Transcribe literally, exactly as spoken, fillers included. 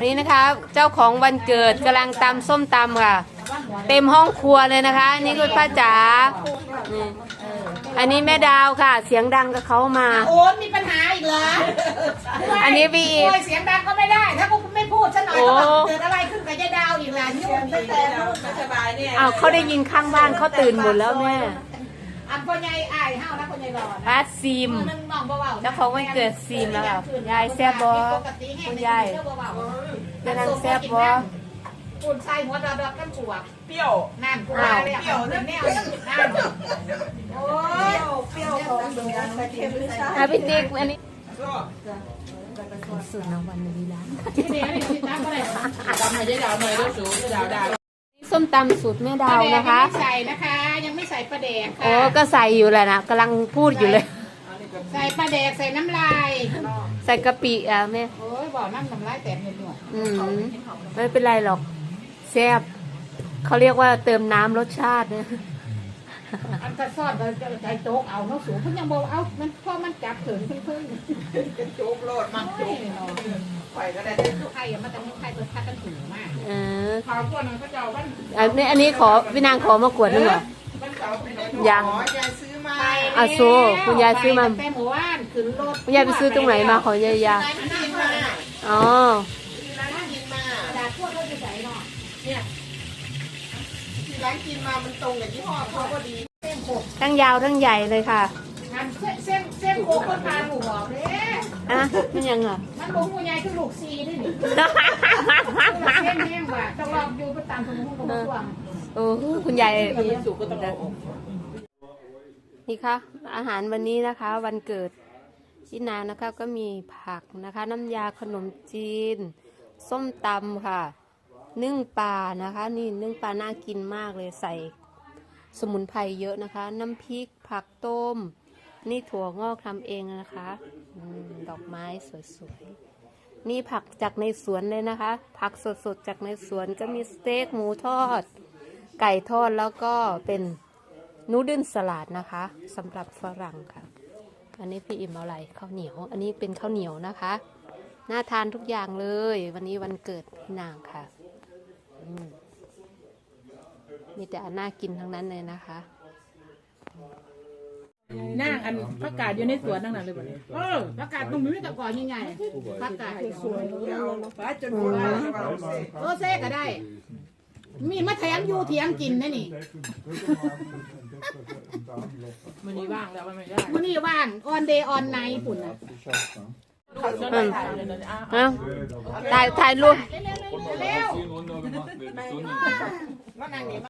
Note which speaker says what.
Speaker 1: นี้นะคะเจ้าของวันเกิดกำลังตำส้มตำค่ะเต็มห้องครัวเลยนะคะนี่คุณป้าจ๋าอันนี้แม่ดาวค่ะเสียงดังกับเขามา
Speaker 2: โอ้มีปัญหาอีกเหรอ
Speaker 1: อันนี้พี่อีก
Speaker 2: เสียงดังก็ไม่ได้ถ้ากูไม่พูดซะหน่อยก็เกิดอะไรขึ้นกับยายดาวอีกล่ะนี่มันไม่แต่ไม่สบายเนี่ย
Speaker 1: อ้าวเขาได้ยินข้างบ้านเขาตื่นหมดแล้วแม่
Speaker 2: อันพ่อใหญ่อ้ายห้าวนะพ่อใหญ่รอ
Speaker 1: ป้าซีมเจ้าของวันเกิดซีมแล้วค่ะยายแซ่บบอคุณยายจะนั่งแซ่บบอ
Speaker 2: คุณชายหัวดำๆกันปวด
Speaker 3: เปรี้ยว
Speaker 2: นั่นกูมาเลยเปรี้ยวนั่นแนวนั่นโอ้ยเปรี้ยวของเดือดใส่เค็มไม่ใช่
Speaker 1: อ่ะพี่ติ๊กอันนี้สุดนะวันนี้ร้าน
Speaker 2: ที่นี่นี่ติดตามอะไร
Speaker 3: ตำให้ยายดาวหน่อยด้วยสูยายดาวดาว
Speaker 1: ส้มตำสูตรแม่ดาวนะคะ
Speaker 2: ไม่ใส่นะคะยังไม่ใส่ปลาแดกค่ะ
Speaker 1: โอ้ก็ใส่อยู่แหละนะกำลังพูดอยู่เลย
Speaker 2: ใส่ปลาแดกใส่น้ำลาย
Speaker 1: ใส่กะปิอ่ะแม่
Speaker 2: โอ้ยบอกน้ำน้ำลายแตกเห็นด้วย
Speaker 1: อืมไม่เป็นไรหรอกแซ่บเขาเรียกว่าเติมน้ำรสชาติเนี่ย
Speaker 2: อันกระซอดใจโจ๊กเอาเนาะสูงเพิ่งยังบอกเอามันพ่อมันจับถึงเพิ่งเพิ่ง
Speaker 3: โจ๊กโลดมันโจ๊กไข่ก็ได้
Speaker 2: ไข่มันแต่ไข่ตัวทัดกันถึงมาก
Speaker 1: เออ
Speaker 3: ข้าวก้วนเขาเจ้าบ้าน
Speaker 1: อันนี้อันนี้ขอพี่นางขอมากวดนึงเหรอยัง
Speaker 3: ยายซื้อมา
Speaker 1: อาโซคุณยายซื้อมา
Speaker 2: แต่หมู่บ้านขึ้นรถ
Speaker 1: คุณยายไปซื้อตรงไหนมาขอยายยาอ๋อ
Speaker 2: จากพวกเราจะใส่เนาะ
Speaker 3: เนี่ยที่ร้านกินมามันตรงกับยี่ห้อเขาพอดี
Speaker 1: ทั้งยาวทั้งใหญ่เลยค่ะ
Speaker 2: เส้นเส้นโคกคนพาหนูบอกเลย
Speaker 1: อ่ะนี่ยังอ่ะ
Speaker 2: มันบอกหูใหญ่คือลูกซีด้วยนี่เส้นแห้งว่ะต้องลองดูไปตามสมุนไพรตัว
Speaker 1: โอ้คุณยายนี่ค่ะอาหารวันนี้นะคะ วันเกิดชินานะคะก็มีผักนะคะน้ำยาขนมจีนส้มตำค่ะนึ่งปลานะคะนี่นึ่งปลาน่ากินมากเลยใส่สมุนไพรเยอะนะคะน้ำพริกผักต้มนี่ถั่วงอกทำเองนะคะดอกไม้สวยๆนี่ผักจากในสวนเลยนะคะผักสดๆจากในสวนก็มีสเต็กหมูทอดไก่ทอดแล้วก็เป็นนูดเดิลสลัดนะคะสำหรับฝรั่งค่ะอันนี้พี่อิ่มเอาอะไรข้าวเหนียวอันนี้เป็นข้าวเหนียวนะคะน่าทานทุกอย่างเลยวันนี้วันเกิดพี่นางค่ะมีแต่อันน่ากินทั้งนั้นเลยนะคะ
Speaker 3: นั่งอันประกาศอยู่ในสวนนั่งนั่นเลยบ่เนี่ย
Speaker 2: เออประกาศตรงนี้แต่ก่อนยังไงประกาศสวยๆป้าจนหัวโอ้เซ่ก็ได้มีมาแถมอยู่เถียงกินนะนี่
Speaker 3: มันนี่ว่างแล้วมันไม่ได้
Speaker 2: มันนี่ว่างออนเดย์ออนไนท์ปุ่นนะ
Speaker 1: ถ่ายถ่ายรูป
Speaker 2: เร็ว